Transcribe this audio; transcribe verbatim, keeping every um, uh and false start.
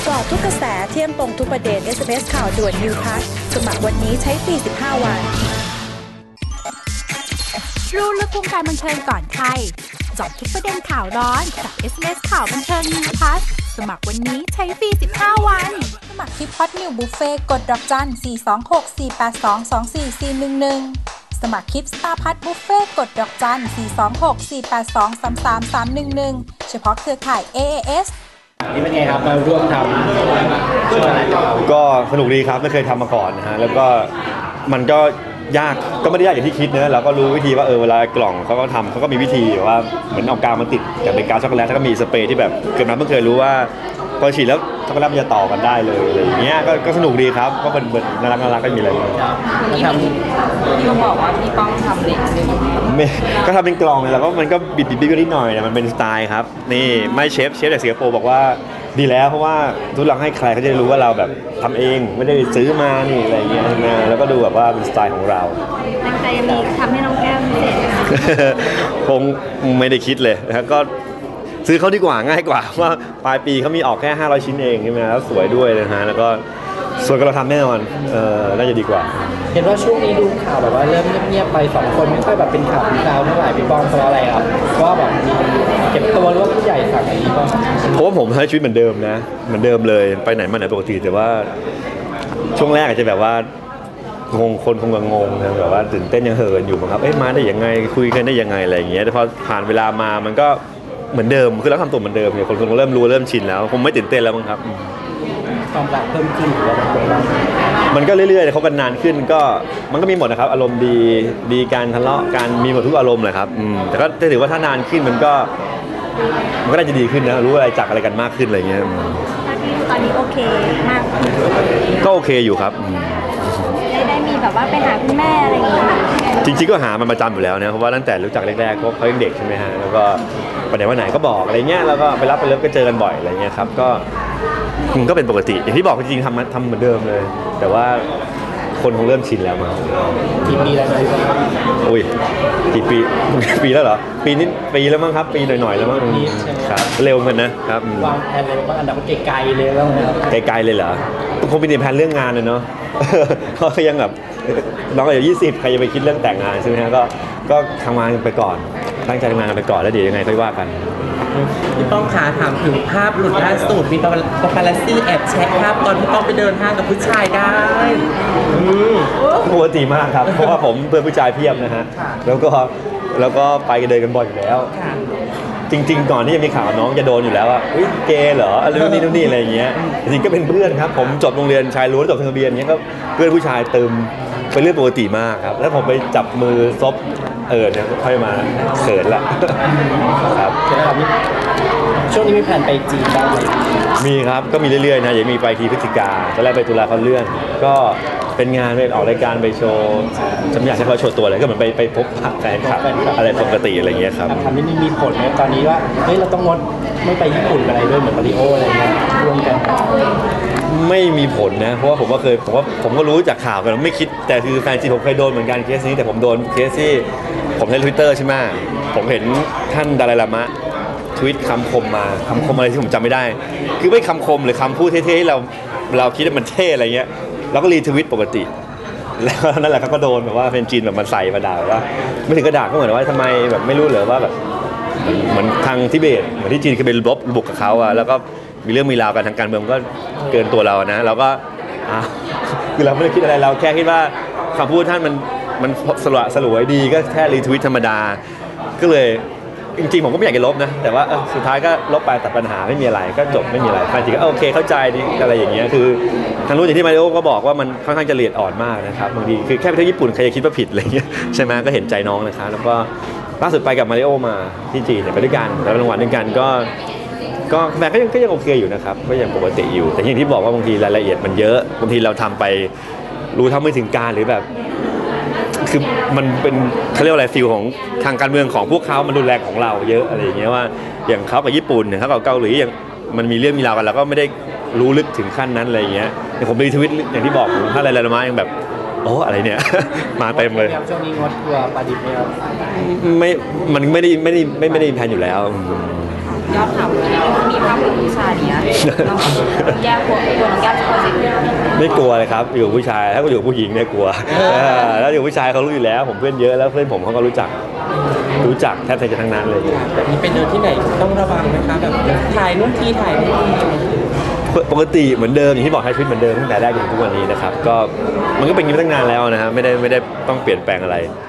จาะทุกกระแสเที่ยงตรงทุกประเด็น เอส เอ็ม เอส ข่าวด่วน New Plus สมัครวันนี้ใช้ฟรีสิบห้าวันรู้ลึกวงการบันเทิงก่อนใครเจาะทุกประเด็นข่าวร้อนกับ เอส เอ็ม เอส ข่าวบันเทิง New Plus สมัครวันนี้ใช้ฟรีสิบห้าวันสมัครที่พอดนิวบุฟเฟ่กดดอกจันสี่ สอง หก สี่ แปด สอง สอง สี่ สี่ หนึ่ง หนึ่งสมัครคลิปสตาร์พัทบุฟเฟ่กดดอกจันสี่ สอง หก สี่ แปด สอง สาม สาม สาม หนึ่ง หนึ่งเฉพาะเครือข่าย เอ เอ เอสนี่เป็นไงครับมาร่วมทำช่วงอะไรก็สนุกดีครับไม่เคยทำมาก่อนนะฮะแล้วก็มันก็ยากก็ไม่ได้ยากอย่างที่คิดเนอะเราก็รู้วิธีว่าเออเวลากล่องเขาก็ทำเขาก็มีวิธีว่าเหมือนเอากาวมาติดกับเป็นกาวช็อกโกแลตแล้วก็มีสเปรย์ที่แบบเกิดมาเพิ่งเคยรู้ว่าพอฉีดแล้วช็อกโกแลตมันจะต่อกันได้เลยอะไรอย่างเงี้ยก็ก็สนุกดีครับก็เป็นน่ารักน่ารักก็มีอะไรมาทำที่เขาบอกว่าพี่ป้องทำเด็กไม่ก็ทำเป็นกล่องเลยแล้วก็มันก็บิดบิดบิดนิดหน่อยเนี่ยมันเป็นสไตล์ครับนี่ไม่เชฟเชฟจากสิงคโปร์บอกว่าดีแล้วเพราะว่าทุกหลังให้ใครเขาจะรู้ว่าเราแบบทำเองไม่ได้ซื้อมานี่อะไรเงี้ยนะแล้วก็ดูแบบว่าเป็นสไตล์ของเราตั้งใจมีทำให้น้องแก้มพิเศษคงไม่ได้คิดเลยนะก็ซื้อเขาดีกว่าง่ายกว่าว่าปลายปีเขามีออกแค่ห้าร้อยชิ้นเองใช่ไหมแล้วสวยด้วยนะฮะแล้วก็สวยก็เราทำแน่นอนเออน่าจะดีกว่าเห็นว่าช่วงนี้ดูข่าวแบบว่าเริ่มเงียบๆไปสองคนไม่ค่อยแบบเป็นข่าวเป็นข่าวเท่าไหร่พี่ป้องเพราะอะไรครับว่าแบบมีเก็บตัวหรือว่าผู้ใหญ่สั่งอะไรพี่ป้องเพราะว่าผมใช้ชีวิตเหมือนเดิมนะเหมือนเดิมเลยไปไหนมาไหนปกติแต่ว่าช่วงแรกอาจจะแบบว่างงคนคงงงนะแบบว่าตื่นเต้นยังเหินอยู่มั้งครับเอ๊ะมาได้ยังไงคุยกันได้ยังไงอะไรอย่างเงี้ยแต่พอผ่านเวลามามันก็เหมือนเดิมคือเราทำตัวเหมือนเดิมเนี่ยคนคงเริ่มรู้เริ่มชินแล้วคงไม่ตื่นเต้นแล้วมั้งครับความรักเพิ่มขึ้นหรือว่าแบบมันก็เรื่อยๆเขากันนานขึ้นก็มันก็มีหมดนะครับอารมณ์ดีดีการทะเลาะการมีหมดทุกอารมณ์เลยครับแต่ก็ถือว่าถ้านานขึ้นมันก็มันก็น่าจะดีขึ้นนะรู้อะไรจักอะไรกันมากขึ้นอะไรเงี้ยตอนนี้โอเคมากก็โอเคอยู่ครับได้ได้มีแบบว่าไปหาคุณแม่อะไรอย่างเงี้ยจริงๆก็หามันประจำอยู่แล้วนะเพราะว่าตั้งแต่รู้จักแรกๆเขายังเด็กใช่ไหมฮะแล้วก็ไปไหนมาไหนก็บอกอะไรเงี้ยแล้วก็ไปรับไปเลิฟก็เจอกันบ่อยอะไรเงี้ยครับก็มันก็เป็นปกติอย่างที่บอกจริงๆทำทำเหมือนเดิมเลยแต่ว่าคนคงเริ่มชินแล้วมั้งกี่ปีแล้วอุ้ยกี่ปีปีแล้วเหรอปีนี้ปีแล้วมั้งครับปีหน่อยๆแล้วมั้งครับเร็วเหมือนกันนะครับวางแผนเลยว่าอันดับไกลๆเลยแล้วไกลๆเลยเหรอคงเป็นแผนเรื่องงานเลยเนาะเพราะยังแบบน้องอายุยี่สิบใครจะไปคิดเรื่องแต่งงานใช่ไหมฮะก็ก็ทำงานไปก่อนตั้งใจทำงานกันไปก่อนแล้วเดี๋ยวยังไงค่อยว่ากันพี่ป้องขาถามถึงภาพหลุดล่าสุดมีปาปารัสซี่แอบแชะภาพตอนพี่ป้องไปเดินห้างกับผู้ชายได้ปกติมากครับเพราะว่าผมเพื่อนผู้ชายเพียบนะฮะแล้วก็แล้วก็ไปกันเดินกันบ่อยอยู่แล้วจริงๆก่อนที่จะมีข่าวน้องจะโดนอยู่แล้วว่าอุ้ยเกย์เหรออะไรนู่นนี่นู่นนี่อะไรอย่างเงี้ยจริงๆก็เป็นเพื่อนครับผมจบโรงเรียนชายล้วนจบทะเบียนเงี้ยก็เพื่อนผู้ชายเติมเป็นเรื่องปกติมากครับแล้วผมไปจับมือซบเออเนี่ยค่อยมาเขินละครับช่วงนี้มีแผนไปจีนบ้างไหมมีครับก็มีเรื่อยๆนะอย่างมีไปทีพฤศจิกาตอนแรกไปตุลาเขาเลื่อนก็เป็นงานไปออกรายการไปโชว์จำอยากให้เขาโชว์ตัวอะไรก็เหมือนไปไปพบแฟนคลับอะไรปกติอะไรเงี้ยครับทำนี่มีผลไหมตอนนี้ว่าเฮ้ยเราต้องงดไม่ไปญี่ปุ่นอะไรด้วยเหมือนมาริโออะไรเงี้ยร่วมกันไม่มีผลนะเพราะว่าผมก็เคยผมว่าผมก็รู้จากข่าวกันไม่คิดแต่คือแฟนจีผมเคยโดนเหมือนกันเคสนี้แต่ผมโดนเคสที่ผมใช้ Twitter ใช่ไหมผมเห็นท่านดาไลลามะทวิตคำคมมาคำคมอะไรที่ผมจำไม่ได้คือไม่คำคมหรือคำพูดเท่ๆเราเราคิดว่ามันเท่อะไรเงี้ยเราก็รีทวิตปกติแล้วนั่นแหละเขาก็โดนแบบว่าเป็นจีนแบบมันใส่มาด่าว่าไม่ถึงกระดาษก็เหมือนว่าทำไมแบบไม่รู้เหรอว่าแบบเหมือนทางทิเบตเหมือนที่จีนเคยไปรบบุกกับเขาอะแล้วก็มีเรื่องมีราวกันทางการเมืองก็เกินตัวเรานะเราก็อ่ะคือเราไม่ได้คิดอะไรเราแค่คิดว่าคำพูดท่านมันมันสลวยสลวยดีก็แค่รีทวิตธรรมดาก็เลยจริงๆผมก็ไม่อยากจะลบนะแต่ว่าสุดท้ายก็ลบไปตัดปัญหาไม่มีอะไรก็จบไม่มีอะไรแฟนจีก็โอเคเข้าใจดีอะไรอย่างเงี้ยคือทางรู้อย่างที่มาริโอก็บอกว่ามันค่อนข้างจะละเอียดอ่อนมากนะครับบางทีคือแค่ไปเที่ยวญี่ปุ่นใครจะคิดว่าผิดอะไรเงี้ยใช่ไหมก็เห็นใจน้องนะครับแล้วก็ล่าสุดไปกับมาริโอมาที่จีนเนี่ยไปด้วยกันแล้วรางวัลด้วยกันก็ก็แม่ก็ยังก็ยังโอเคอยู่นะครับก็ยังปกติอยู่แต่อย่างที่บอกว่าบางทีรายละเอียดมันเยอะบางทีเราทำไปรู้เท่าไม่ถึงการหรือแบบคือมันเป็นเขาเรียกว่าอะไรฟิลของทางการเมืองของพวกเขามันรุนแรงของเราเยอะอะไรอย่างเงี้ยว่าอย่างเขากับญี่ปุ่นเนี่ยเขากับเกาหลีอย่างมันมีเรื่องมีราวกันเราก็ไม่ได้รู้ลึกถึงขั้นนั้นอะไรอย่างเงี้ยแต่ผมรีทวิตอย่างที่บอกถ้าอะไรๆมายังแบบโอ้อะไรเนี่ยมาเต็มเลยช่วงนี้งดตัวปลาดิบไหมครับไม่มันไม่ได้ไม่ได้ไม่ไม่ได้มีแผนอยู่แล้วยอดข่าวเลยนะมีภาพของผู้ชายเนี้ยแย่กลัวกลัวน้องแก้มจะกลัวสิไม่กลัวเลยครับอยู่ผู้ชายถ้าก็อยู่ผู้หญิงเนี่ยกลัวแล้วอยู่ผู้ชายเขารู้อยู่แล้วผมเพื่อนเยอะแล้วเพื่อนผมเขาก็รู้จักรู้จักแทบจะทั้งนั้นเลยแบบนี้ไปเดินที่ไหนต้องระวังไหมคะแบบถ่ายนู่นทีถ่ายนี่ทีปกติเหมือนเดิมอย่างที่บอกให้ชีวิตเหมือนเดิมตั้งแต่แรกจนถึงทุกวันนี้นะครับก็มันก็เป็นอย่างนี้มาตั้งนานแล้วนะฮะไม่ได้ไม่ได้ต้องเปลี่ยนแปลงอะไร